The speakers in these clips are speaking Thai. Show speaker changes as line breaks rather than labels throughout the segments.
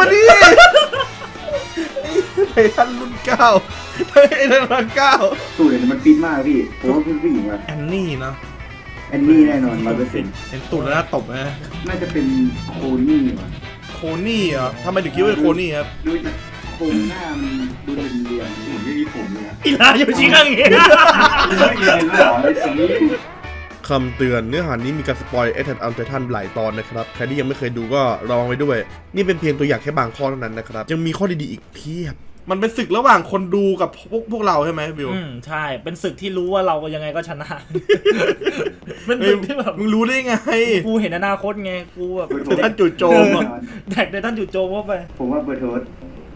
ดิไททันรุ่นเก้าไททันรุ่นเก้า
ตูดเนี่ยมันฟิตมากพี่ผมว่าเป็นผู้หญิงว่ะ
แอนนี่เนาะ
แอนนี่แน่นอน100%
เห็นตูดแล้วน่าตบนะ
น่าจะเป็นโคนี่ว่ะ
โคนี่เหรอทำไมถึงคิดว่าเป็นโคนี่ครับ
ดูจากโครงหน้ามันดูเรียนๆผมไม่มีผมเลย
อีลาอยู่ชิคังเงี้ย
ไม่มีเลยเหรอไอ้สี
คำเตือนเนื้อหานี้มีการสปอยAttack on Titan หลายตอนนะครับใครที่ยังไม่เคยดูก็ระวังไว้ด้วยนี่เป็นเพียงตัวอย่างแค่บางข้อเท่านั้นนะครับยังมีข้อดีๆอีกเพียบมันเป็นศึกระหว่างคนดูกับพวกเราใช่ไหมบิว
ใช่เป็นศึกที่รู้ว่าเรายังไงก็ชนะ เป็นศึกที่แบบ
มึงรู้ได้ไง
กูเห็นอนาคตไงกูแบบ
ท่านจู่โจมอ่ะ
แดกได้ท่านจู่โจมเข้าไป
ผมว่าเบอร์โทส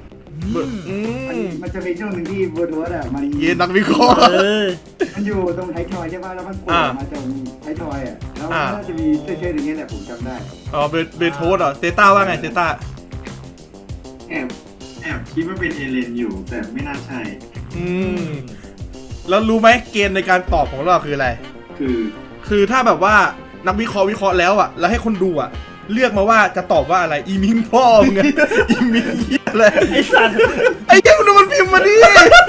มันจะมีช่วงหนึ่งที่เบอร์โทสอ่ะมัน
เย็นนักวิเคราะห์
มันอยู่ตรงไททอยใช่ป่ะแล้วมันโผล่มาตรงไททอยอ่ะแล้วน่าจะมีเชื่อๆอย่างเงี้ยแหละผมจำได้
อ๋อเบโทสเหรอเซต้าว่าไงเซต้า
แอบคิดว่าเป็นเอเลนอยู่แต่ไม่น่าใช่
แล้วรู้ไหมเกณฑ์ในการตอบของเราคืออะไรคือถ้าแบบว่านักวิเคราะห์แล้วอ่ะแล้วให้คนดูอ่ะเลือกมาว่าจะตอบว่าอะไรอีมิงพ่อมึงอีมิงเหี้ยอะไร
ไอ้สัตว์
ไอ้เจ้ามันพิมพ์มาดิ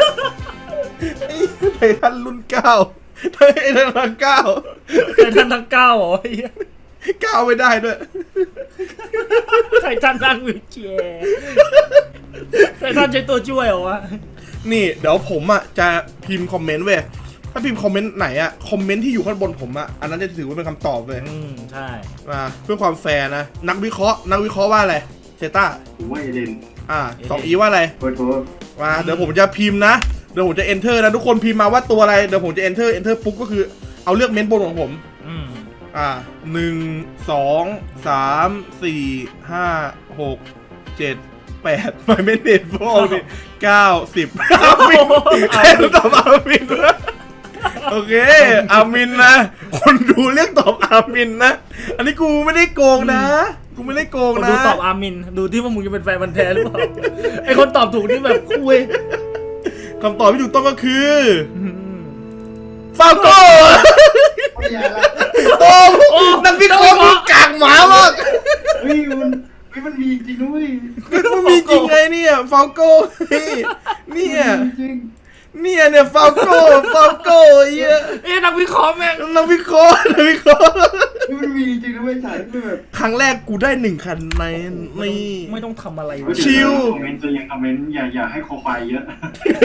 ไททันรุ่นเก้าไททันรุ่นเก้า
ไททันทั้ง9เหรอ
เก้าไม่ได้ด้วย
ไททันทั้งวิเชียไททันใช้ตัวช่วยเหรอวะ
นี่เดี๋ยวผมอ่ะจะพิมพ์คอมเมนต์เว้ยถ้าพิมพ์คอมเมนต์ไหนอ่ะคอมเมนต์ที่อยู่ข้างบนผมอ่ะอันนั้นจะถือว่าเป็นคำตอบเลย
ใช่
มาเพื่อความแฟร์นะนักวิเคราะห์ว่าอะไรเซต้า
ผมว่าเอเลน
2Eว่าอะไร
เบอร์โทส
มาเดี๋ยวผมจะพิมพ์นะเดี๋ยวผมจะ enter นะทุกคนพิมพ์มาว่าตัวอะไรเดี๋ยวผมจะ enter ปุ๊บก็คือเอาเลือกเม้นต์บนของผม1 2 3 4 5 6 7 8ไม่เม้นเด็ดพวกนี้9 10อามินใครตอบอามินนะโอเคอามินนะคนดูเรียกตอบอามินนะอันนี้กูไม่ได้โกงนะกูไม่ได้โกงนะ
ดูตอบอามินดูที่ว่ามึงจะเป็นแฟนมันแท้หรือเปล่าไอคนตอบถูกนี่แบบคุย
คำตอบที่ถูกต้องก็คือฟาโก้โอ้นักวิเคราะห์มึงกากหมามาก
มันมีจริงด้วย
มันมีจริงไงเนี่ยฟาโก้เนี่ยฟาโก้เยอะ
นักวิเคราะห์แม่ง
นักวิเคราะห์
มันมีจริงด้วยฉายแบบ
ครั้งแรกกูได้1 คะแนน
ไม่ต้องทำอะไร
ชิล
คอมเมนต์ตัวยังคอมเมนต์อย่าให้คอควายเยอะ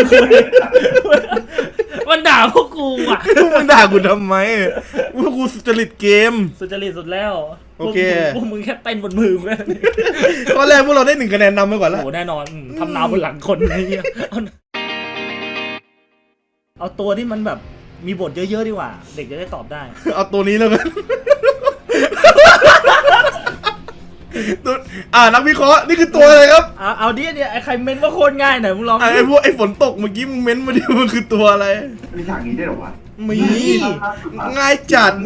มันด่าพวกกูอ่ะ
มึงด่ากูทำไมพวกกูสุจริตเกม
สุจริตสุดแล้ว
โอเค
พวกมึงแค่เต้นบนมือแค่นี้
ตอนแรกพวกเราได้1 คะแนนนำไปก่อนแล้ว
โอ้แน่นอนทำนาวบนหลังคนไอ้เหี้ยเอาตัวที่มันแบบมีบทเยอะๆดีกว่าเด็กจะได้ตอบได้
เอาตัวนี้แล้วกันนักวิเคราะห์นี่คือตัวอะไรครับ
เอาดิเนี่ยไอ้ใครเม้นว่าโคตรง่ายหน่อยมึงลอง
ไอ้พวกไอ้ฝนตกเมื่อกี้มึงเม้นมาดิมันคือตัวอะไร
มีฉากนี้ได้หรอวะ
มีง่ายจัด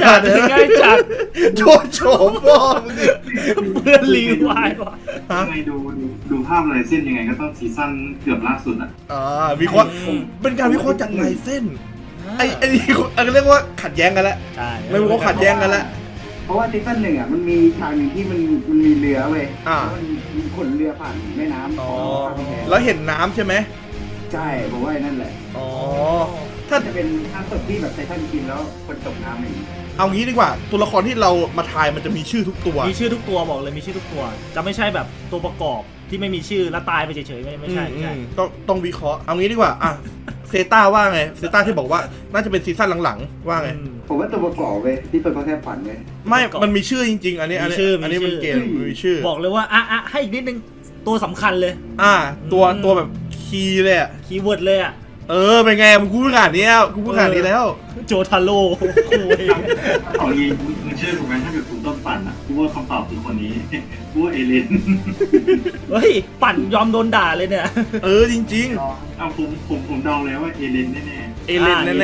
โชว์พ่อมึงดิ
เพื่อนรีวายว่ะ
ยังไงดูภาพลายเส้นยังไงก็ต้องซีซั่นเกือบล่าสุด
วิเคราะห์เป็นการวิเคราะห์จากลายเส้นไอ้นี่เรียกว่าขัดแย้งกันแล้ว
ใช่
ไม่รู้ว่าขัดแย้งกันแล้ว
เพราะว่าซีซั่น1อ่ะมันมีฉากหนึ่งที่มันมีเรือเว้ยมันขนเรือผ่านแม่น้ำ
แล้วเห็นน้ำใช่ไหม
ใช่ผมว่านั่นแหละถ้าจะเป็นภาพสดที่แบบไททันกินแล้วคนตกน้ำอย่างนี้
เอางี้ดีกว่าตัวละครที่เรามาทายมันจะมีชื่อทุกตัว
มีชื่อทุกตัวบอกเลยมีชื่อทุกตัวจะไม่ใช่แบบตัวประกอบที่ไม่มีชื่อแล้วตายไปเฉยๆไม่ใช่
ต้องวิเคราะห์เอางี้ดีกว่าเซต้าว่าไงเซต้าที่บอกว่าน่าจะเป็นซีซั่นหลังๆว่าไง
ผมว่าตัวประกอบเว้ยที่เป็นเขาแค่ฝันเว้ย
ไม่มันมีชื่อจริงๆอันนี้มันเกมมีชื่อ
บอกเลยว่าให้อีกนิดนึงตัวสำคัญเลย
ตัวแบบคีย์เลย
คีย์เวิร์ดเลย
เป็นไงมึงพูดขนาดนี้แล้ว
โจทาโร่
เอาอีกมึงเชื่อถูกไหมถ้าเกิดคุณต้นปั่นกูว่าคำตอบคือคนนี้กูว่าเอเลน
เฮ้ยปั่นยอมโดนด่าเลยเนี่ย
จริง
ผมเดาแล้วว่าเอเลนแน่
ๆ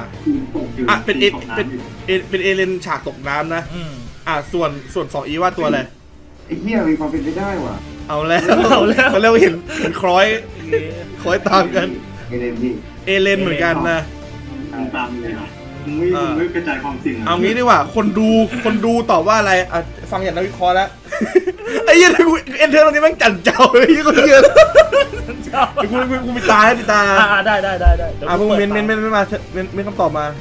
เป็นเอเลนฉากตกน้ำนะส่วน 2E ว่าตัวอะไร
ไอ้เหี้ยมีความเป็นไปได้ว่ะ
เอาแล้วเขาเรียกว่าเห็นคล้อยตามกัน
เอเลนพี่
เอเลนเหมือนกันนะ
ตามเลยนะมึงไม่กระจายความสิ่ง
เอางี้ดีกว่าคนดูตอบว่าอะไรอ่ะฟังอย่างนักวิเคราะห์แล้ว ไอ้เหี้ยกูเอนเทอร์ตรงนี้แม่งจันเจ้าเลยยี่กูเยอะกูมีตาปิดตา
ได้เดี๋ยว
พวก
ปิด
เม้น
ตา
มาเม้นคำตอบมา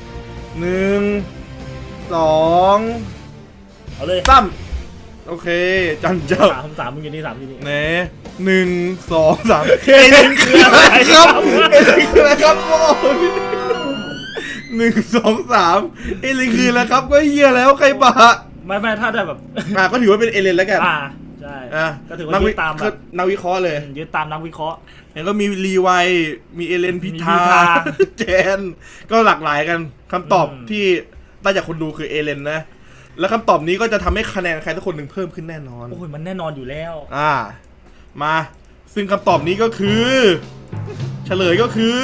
1 2
เอาเลย
3โอเคจันเจ้า
สามมึงอยู่นี่3อยู่นี่
เน่1 2 3เอเลนคืออะไรครับเอเลนคืออะไรครับโอ้ย1 2 3เอเลนคืออะไรครับก็เหี้ยแล้วใครบะ
ไม่ถ้าได้แบบ
ก็ถือว่าเป็นเอเลนแล้วกัน
ใช่ ก็ถือว่า
นัก
ยึ
วิ
ดตามแบบ
นักวิเคราะห์เลย
ยึดตามนักวิเคราะห์
เห็นก็มีรีไวมีเอเลนพิธา
มีพิธา
เจนก็หลากหลายกันคำตอบที่ได้จากคนดูคือเอเลนนะแล้วคำตอบนี้ก็จะทำให้คะแนนใครสักคนหนึ่งเพิ่มขึ้นแน่นอน
โอ้ยมันแน่นอนอยู่แล้ว
มาซึ่งคำตอบนี้ก็คือ เฉลยก็คือ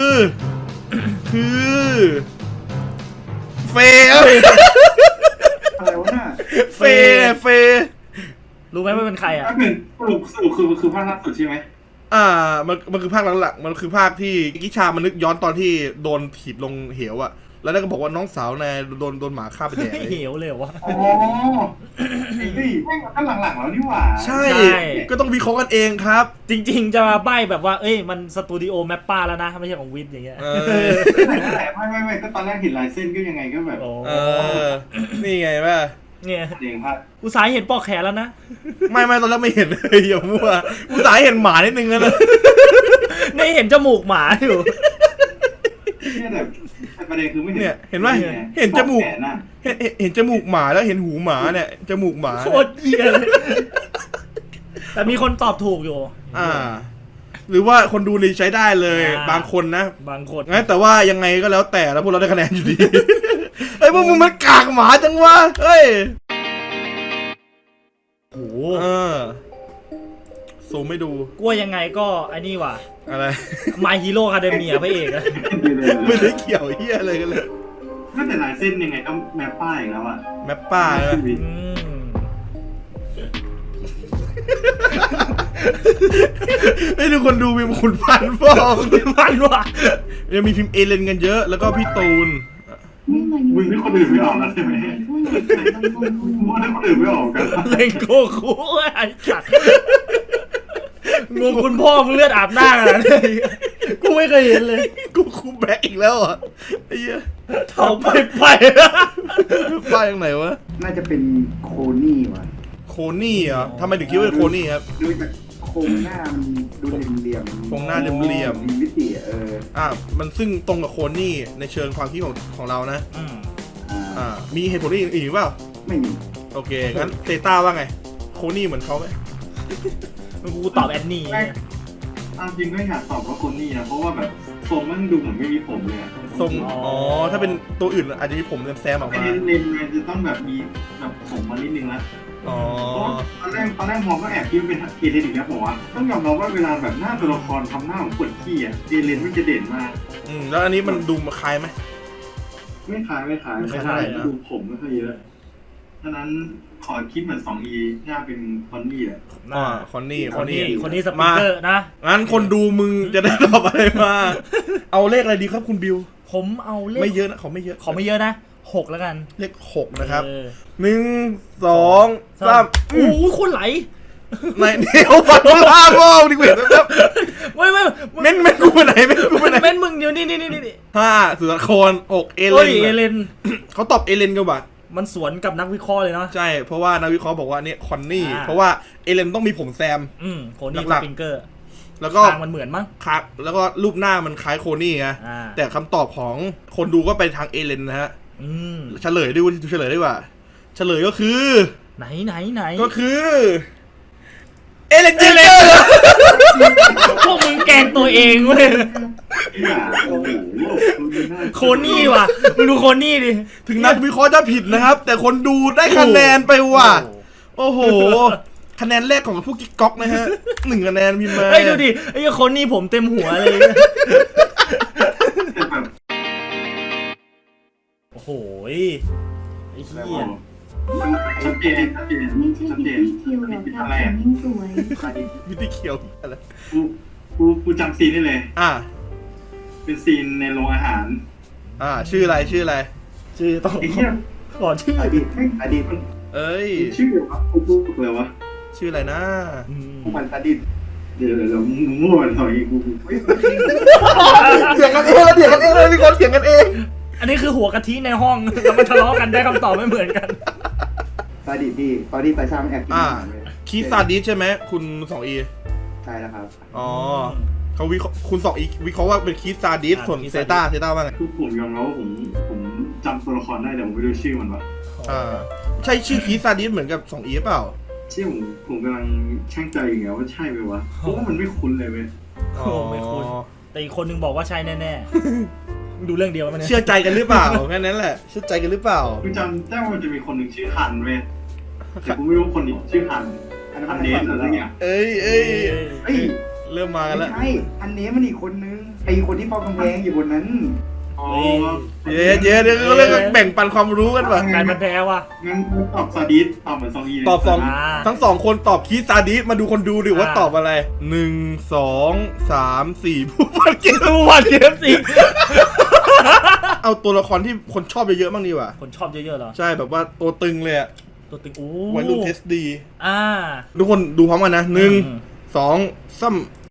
เฟย์
อะไรวะน่ะ
เฟย์
รู้ไหมว่าเป็นใครอ่ะ
ถ้าเป็นสรุปคือภาคล่าสุดใช่ไหม
มันคือภาคหลังๆมันคือภาคที่กิชามันนึกย้อนตอนที่โดนถีบลงเหวอะแล้วนั่นก็บอกว่าน้องสาวนายโดนหมาฆ่าไปแดก
เหวเลยวะ
อ๋อไอ้นี่แม่งก็หลังๆแล้วนี่หว่า
ใช่ ก็ต้องวิเคราะห์กันเองครับ
จริงๆจะมาใบ้แบบว่าเอ้ยมันสตูดิโอแมปป้าแล้วนะไม่ใช่ของวิทย์อย่างเงี้ย
แต่ไม่ก็ตอนแรกเห็นลายเส้นก็ยังไงก็แบบ
โอ้
นี่ไงป่ะ
เนี่ย
เองภาค
อุตสาห์เห็นปอกแขนแล้วนะ
ไม่ตอนแรกไม่เห็นเลยอย่ามั่วกูสายเห็นหมานิดนึงนะ
นี่เห็นจมูกหมาอยู่
เนี่ยแต่ประเด็นคือไม่เห็น
เนี่ยเห็นไหมเห็นจมูก
แขนน่ะ
เห็นจมูกหมาแล้วเห็นหูหมาเนี่ยจมูกหมา
โคตรเหี้ยเลยแต่มีคนตอบถูกอยู่
หรือว่าคนดูนี่ใช้ได้เลย บางคนนะ
บางคน
งั้นแต่ว่ายังไงก็แล้วแต่แล้วพวกเราได้คะแนนอยู่ดี เฮ้ยพวกมึงมันกากหมาจังวะเฮ้ย
โอ้โห
ซูมไม่ดู
กลัวยังไงก็ไอ้นี่ว่ะ
อะไร
My Hero Academia พระเอกอะ
ไม่ได้เกี่ยวเฮียอะไรกันเลย
ก็แต่ลายเส้นยังไงก็แมปป้ายอีกแล้วอ่ะ
แมปป้าใช่ไหม
อืม
ไอ้ทุกคนดูมีคุณพันธ์ฟ้อง
มันว่ะ
ยังมีพิมพ์เอเลนกันเยอะแล้วก็พี่ตูน
มึงนี่คนอื่นไม่ออกแล้วใช่ไหมมึงนี่คนอื่นไม่ออกกัน
เล่นโกคูไอ้สัตว์งงคุณพ่อมึงเลือดอาบหน้าขนาดนี้กูไม่เคยเห็นเลย
กูคูแบ็กอีกแล้วอ่ะไอ้เหี้ย
เท่าไป
ป้ายตรงไหนวะ
น่าจะเป็นโคนี่ว่ะ
โคนี่เหรอทำไมถึงคิดว่าเป็นโคนี่ครับ
ดูจากโครงหน้ามันดูเหลี่ยมๆ
โครงหน้าเหลี่ยมๆ
มีมิติ
มันซึ่งตรงกับโคนี่ในเชิงความคิดของเรานะ
อืม
มีเหตุผลอื่นอีกเปล่า
ไม่มี
โอเคงั้นเซต้าว่าไงโคนี่เหมือนเขาไหม
กูตอบแอนนี่
จริงก็อยากตอบว่าคนนี้นะเพราะว่าแบบทรงมันดูเหมือนไม่มีผมเลย
ทรงถ้าเป็นตัวอื่นอาจจะมีผมแซมออกมา
เลนมันจะต้องแบบมีแบบผมมานิดนึงละ
อ๋อ
ตอนแรกมองก็แอบคิดว่าเป็นเอเลนอีกแล้วผมว่าต้องยอมรับว่าเวลาแบบหน้าตัวละครทำหน้าของคนขี้อ่ะเอเลนมันจะเด่นมาก
แล้วอันนี้มันดูมาคล้ายไหม
ไม่คล้ายดูผมไม่ค่อยเยอะฉะนั้นขอคิดเหมือน 2E น่าเป็นคอนนี่แหละ
คอนนี่
คนนี้สปีกเกอร์นะ
งั้นคนดูมึงจะได้ตอบอะไรมา เอาเลขอะไรดีครับคุณบิว
ผมเอาเลข
ไม่เยอะนะเขาไม่เยอะ
ขอไม่เยอะนะ6แล้วกัน
เลข6นะครับ
1
1 2 3
โอ้โหคนไหล
ไหนเดี๋ยวฟันล่างก็ดิเวทนะครับ
ไม่
เม้นกูไปไหนเม้นกูไปไหน
เม้นมึงเดี๋ยวนี่
5สุรคร6เอ
โอ้ย
เล
เอเลน
เขาตอบเอเลนกันว่ะ
มันสวนกับนักวิเคราะห์เลยเนาะ
ใช่เพราะว่านักวิเคราะห์บอกว่าเนี่ยคอนนี่
อ่า
เพราะว่าเอเลนต้องมีผมแซม
โคนี่
หลั
ส
กๆ
ปริงเกอร์
แล้วก็
ทางมันเหมือนมั้ง
ครับแล้วก็รูปหน้ามันคล้ายโคนี่ไง
อ่า
แต่คำตอบของคนดูก็ไปทางเอเลนนะฮะ เฉลยด้วยเฉลยดีกว่าเฉลยก็คือ
ไหน
ก็คือเอเลนเจเลน
พวกมึงแกล้งตัวเองเว้ย
โอ้โห
โคนี่ว่ะมึงดูโคนี่ดิ
ถึงนักวิเคราะห์จะผิดนะครับ แต่คนดูได้คะแนนไปว่ะโอ้โหคะแนนแรกของผู้กิ๊กก๊อกนะฮะ1 คะแนนพิมพ์มา
เฮ้ยดูดิไอ้โคนี่ผมเต็มหัวเลย
แต่แบบ
โอ้โหไอ้เหี้ย
ชัดเจน
ไม่ใช่พิตตี้เคียวหรอกครับแต่ยิ่งสวย
วิธีเขียวอะไร
กูจำซีนได้เลย เป็นซีนในโรงอาหาร
ชื่ออะไร
ชื่อต้อง
ไอ้เหี้ย
ขอชื่อ
อดีตอดีต
เอ้ย
ชื่ออะไรวะกูพูดเลยวะ
ชื่ออะไรนะ
ผู้พันอดีต
เดี๋ยวมึงมั่วหน่อยกู
เถียงกันเองแล้วเถียงกันเองเลยพี่คนเถียงกันเอง
อันนี้คือหัวกะทิในห้อง แล้วมันทะเลาะกันได้คำตอบไม่เหมือนกัน
อดีตพี่ตอนที่ตาชามันแอบกิน
อ่า
อาหารเลย
คีซาดิสใช่ไหมคุณ2E
ใช่แล้วครับ
อ๋อเขาวิเคราะห์คุณ2E วิเคราะห์ว่าเป็นคีซาดิสส่วนเซต้าว่าไง
คือผมยอมรับว่าผมจำตัวละครได้แต่ผมไม่รู้ชื่อมันวะ
ใช่ชื่อคีซาดิสเหมือนกับ2E เปล่า
ชื่อผมกำลังช่างใจอยู่ไงว่าใช่ไหมวะเพราะว่ามันไม่คุ้นเลยเว้ย
โอ้ไม่คุ้น แต่อีกคนนึงบอกว่าใช่แน่ๆ ดูเรื่องเดียวมันย
เชื่อใจกันหรือเปล่าแค่นั้นแหละเชื่อใจกันหรือเปล่า
กูจำได้ว่ามันจะมีคนหนึ่งชื่อฮันเว้ยแต่กูไม่รู้คนนี้ชื่อฮัน
อันนั้น
ฮั
มัน น
เดนอะไรเงี้ย
เอ้ย
เอ้ย
เริ่มมากัน
ไม่
แล้ว
ใช่อันนี้มันอีกคนนึงไอคนที่เฝ้ากำแพงอยู่บนนั้น
อ๋อ
เดี๋ยวเขาเรียกว่าแบ่งปันความรู้กันป่ะ
กลายเป็นแพ้ว่ะ
งั้นตอบซาดิสตอบเหมือนซองอีเลย
ตอบสอง
อ่า
ทั้ง2คนตอบคีซาดิสมาดูคนดูดิว่าตอบอะไร1 2 3 4ผู้พันเกม
ดูวันเกมสิ
เอาตัวละครที่คนชอบเยอะๆบ้างดีกว่า
คนชอบเยอะๆเหรอ
ใช่แบบว่าตัวตึงเลยอะ
ตัวตึงโอ้
วัยรุ่นเทสดี
อ่า
ทุกคนดูพร้อมกันนะ
อืม
1 2 3